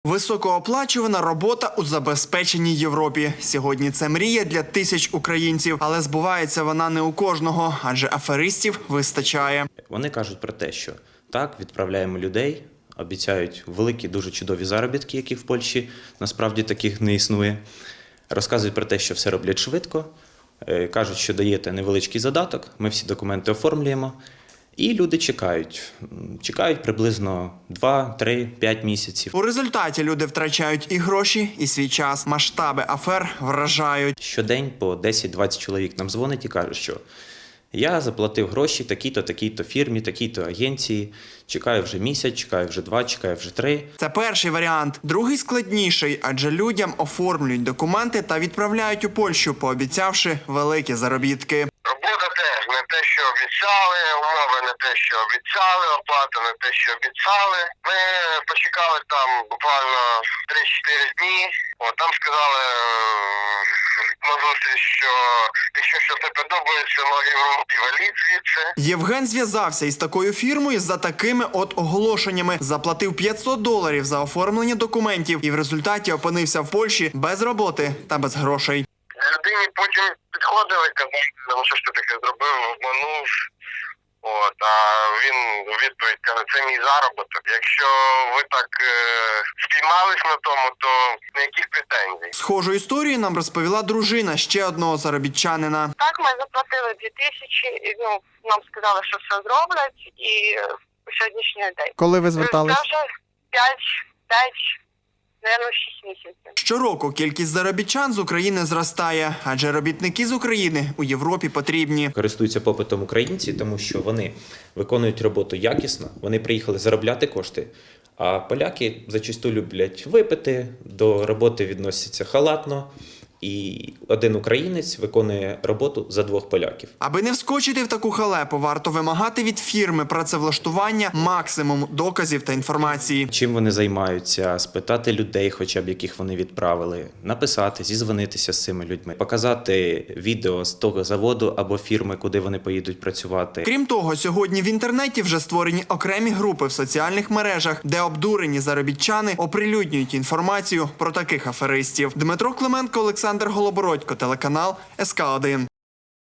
Високооплачувана робота у забезпеченій Європі. Сьогодні це мрія для тисяч українців, але збувається вона не у кожного, адже аферистів вистачає. Вони кажуть про те, що так, відправляємо людей, обіцяють великі, дуже чудові заробітки, які в Польщі насправді таких не існує. Розказують про те, що все роблять швидко, кажуть, що даєте невеличкий задаток, ми всі документи оформлюємо. І люди чекають приблизно 2, 3, 5 місяців. У результаті люди втрачають і гроші, і свій час. Масштаби афер вражають. Щодень по 10-20 чоловік нам дзвонить і кажуть, що я заплатив гроші такій-то, такій-то фірмі, такій-то агенції, чекаю вже місяць, чекаю вже 2, чекаю вже 3. Це перший варіант. Другий складніший, адже людям оформлюють документи та відправляють у Польщу, пообіцявши великі заробітки. Робота теж не те, що обіцяли, умови не те, що обіцяли, оплата не те, що обіцяли. Ми почекали там буквально 3-4 дні. Там сказали на зустріч, що якщо щось не подобається, ноги в руки валіть звідси. Євген зв'язався із такою фірмою за такими от оголошеннями. Заплатив $500 за оформлення документів і в результаті опинився в Польщі без роботи та без грошей. Людині потім підходили, казали, ну що ж ти таке зробив, обманув. А він у відповідь каже, це мій заробіток. Якщо ви так спіймались на тому, то ніяких претензій. Схожу історію нам розповіла дружина ще одного заробітчанина. Так, ми заплатили 2000, і, нам сказали, що все зроблять, і по сьогоднішній день. Коли ви звертались? Це вже 5, мабуть, 6 місяців. Щороку кількість заробітчан з України зростає, адже робітники з України у Європі потрібні. Користуються попитом українці, тому що вони виконують роботу якісно, вони приїхали заробляти кошти, а поляки зачасту люблять випити, до роботи відносяться халатно, і один українець виконує роботу за 2 поляків. Аби не вскочити в таку халепу, варто вимагати від фірми працевлаштування максимум доказів та інформації. Чим вони займаються, спитати людей, хоча б яких вони відправили, написати, зізвонитися з цими людьми, показати відео з того заводу або фірми, куди вони поїдуть працювати. Крім того, сьогодні в інтернеті вже створені окремі групи в соціальних мережах, де обдурені заробітчани оприлюднюють інформацію про таких аферистів. Дмитро Клименко, Олександр Голобородько, телеканал СК1.